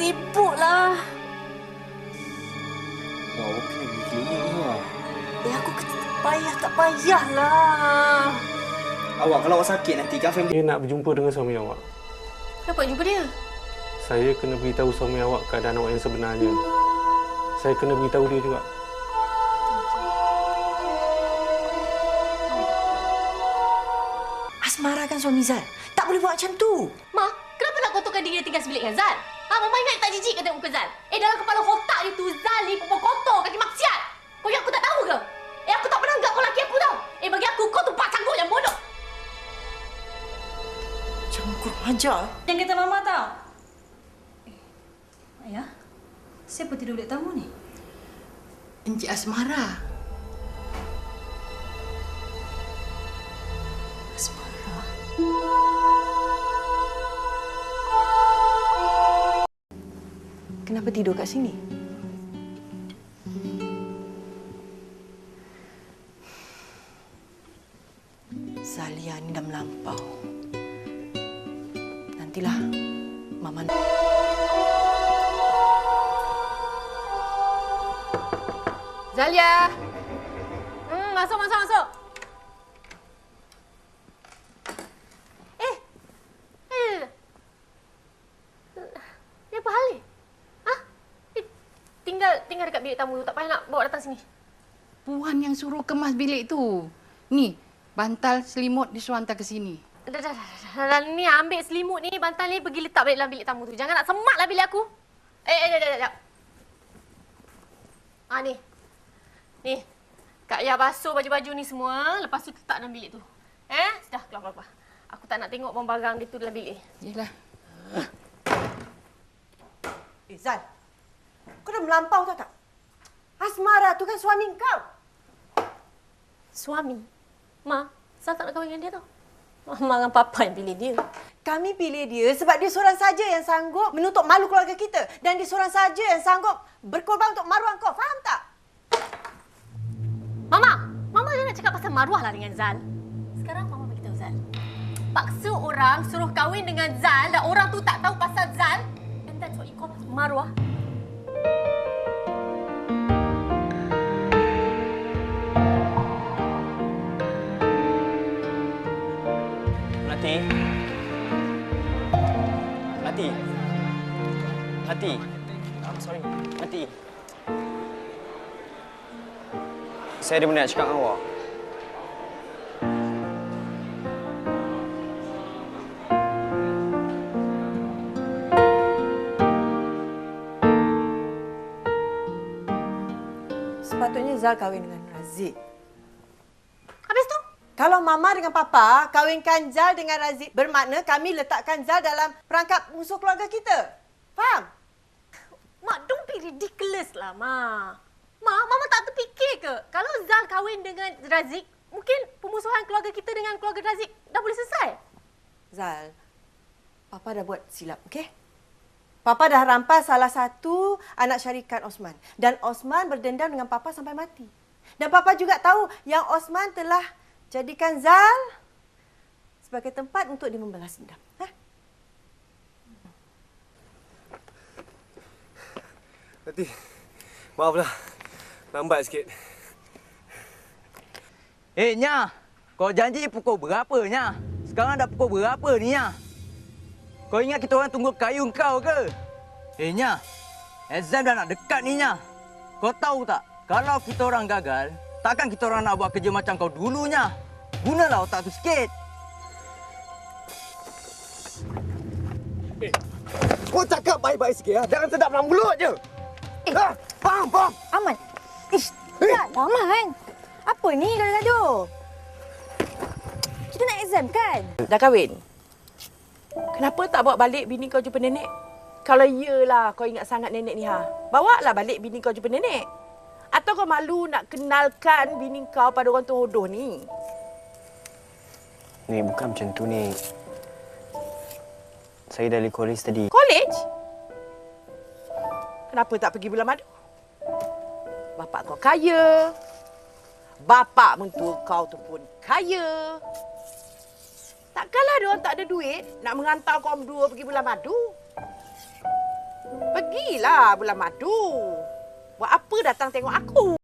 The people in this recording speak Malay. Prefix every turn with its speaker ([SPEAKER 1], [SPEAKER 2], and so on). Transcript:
[SPEAKER 1] sibuklah.
[SPEAKER 2] Wah, okey pergi klinik ni lah.
[SPEAKER 1] Aku tak payahlah.
[SPEAKER 2] Awak kalau awak sakit nanti kan family...
[SPEAKER 3] Saya nak berjumpa dengan suami awak.
[SPEAKER 1] Kenapa jumpa dia?
[SPEAKER 3] Saya kena beritahu suami awak keadaan awak yang sebenarnya. Saya kena beritahu dia juga.
[SPEAKER 1] Asmara kan suami Zal. Tak boleh buat macam tu.
[SPEAKER 4] Ma, kenapa nak kotorkan diri dia tinggal sebilik dengan Zal? Mama ingat tak jijik ke tengok muka Zal? Dalam kepala otak dia tu, Zal ni perempuan kotor, kaki maksiat. Kau yang aku tak tahu ke? Aku tak pernah anggap kau laki aku tau. Bagi aku, kau tu pak canggung yang bodoh.
[SPEAKER 1] Jangan kurang ajar.
[SPEAKER 5] Yang kata Mama tau. Ayah, siapa tidur bilik tamu ni?
[SPEAKER 6] Encik Asmara.
[SPEAKER 5] Asmara.
[SPEAKER 1] Kenapa tidur kat sini? Zalia ni dah melampau. Nantilah Mama...
[SPEAKER 4] Zalia! Masuk. Ni apa hal ni? Tinggal dekat bilik tamu tu. Tak payah nak bawa datang sini.
[SPEAKER 6] Puan yang suruh kemas bilik tu. Ni, bantal selimut disuruh hantar ke sini.
[SPEAKER 4] Dah. Ni ambil selimut ni, bantal ni pergi letak balik dalam bilik tamu tu. Jangan nak semaklah bilik aku. Dah. Ni. Kak Yah basuh baju-baju ni semua. Lepas tu letak dalam bilik tu. Sudah, keluar. Aku tak nak tengok barang dia tu dalam bilik.
[SPEAKER 6] Yelah.
[SPEAKER 1] Zal, kau dah melampau tak? Asmara tu kan suami kau.
[SPEAKER 4] Suami? Ma, Zal tak nak kahwin dengan dia tau. Mama dengan Papa yang pilih dia.
[SPEAKER 1] Kami pilih dia sebab dia seorang saja yang sanggup menutup malu keluarga kita. Dan dia seorang saja yang sanggup berkorban untuk maruah kau. Faham tak?
[SPEAKER 4] Mama dia nak cakap pasal maruah lah dengan Zal. Sekarang Mama beritahu Zal. Paksa orang suruh kahwin dengan Zal dan orang tu tak tahu pasal Zal. And that's what you call maruah.
[SPEAKER 2] Melati. Sorry. Melati. Saya ada benda nak cakap dengan awak.
[SPEAKER 1] Sepatutnya Zal kahwin dengan Razik.
[SPEAKER 4] Habis tu?
[SPEAKER 1] Kalau Mama dengan Papa kahwinkan Zal dengan Razik, bermakna kami letakkan Zal dalam perangkap musuh keluarga kita. Faham?
[SPEAKER 4] Mak, don't be ridiculous lah, Ma. Mama tak terfikir ke? Kalau Zal kahwin dengan Razik, mungkin pemusuhan keluarga kita dengan keluarga Razik dah boleh selesai.
[SPEAKER 1] Zal, Papa dah buat silap, okey? Papa dah rampas salah satu anak syarikat Osman. Dan Osman berdendam dengan Papa sampai mati. Dan Papa juga tahu yang Osman telah jadikan Zal sebagai tempat untuk dia membalas dendam.
[SPEAKER 7] Nanti, maaflah. Lambat sikit.
[SPEAKER 8] Nya, kau janji pukul berapa, Nya? Sekarang dah pukul berapa ni, Nya? Kau ingat kita orang tunggu kayu kau ke? Nya, exam dah nak dekat ni, Nya. Kau tahu tak, kalau kita orang gagal, takkan kita orang nak buat kerja macam kau dulu, Nya. Gunalah otak tu sikit.
[SPEAKER 7] Kau cakap baik-baik sikit, ya? Jangan sedap dalam mulut je. Faham?
[SPEAKER 5] Aman. Tak Aman. Apa ni gaduh-gaduh? Kita nak exam kan?
[SPEAKER 1] Dah kahwin? Kenapa tak bawa balik bini kau jumpa nenek? Kalau iyalah kau ingat sangat nenek ni, bawalah balik bini kau jumpa nenek. Atau kau malu nak kenalkan bini kau pada orang tu hodoh ni?
[SPEAKER 2] Ni bukan macam tu ni. Saya dari kolej tadi.
[SPEAKER 1] Kolej? Kenapa tak pergi bulan madu? Bapak kau kaya. Bapak mentua kau tu pun kaya. Takkanlah dia orang tak ada duit nak menghantar kau berdua pergi bulan madu.
[SPEAKER 9] Pergilah bulan madu. Buat apa datang tengok aku?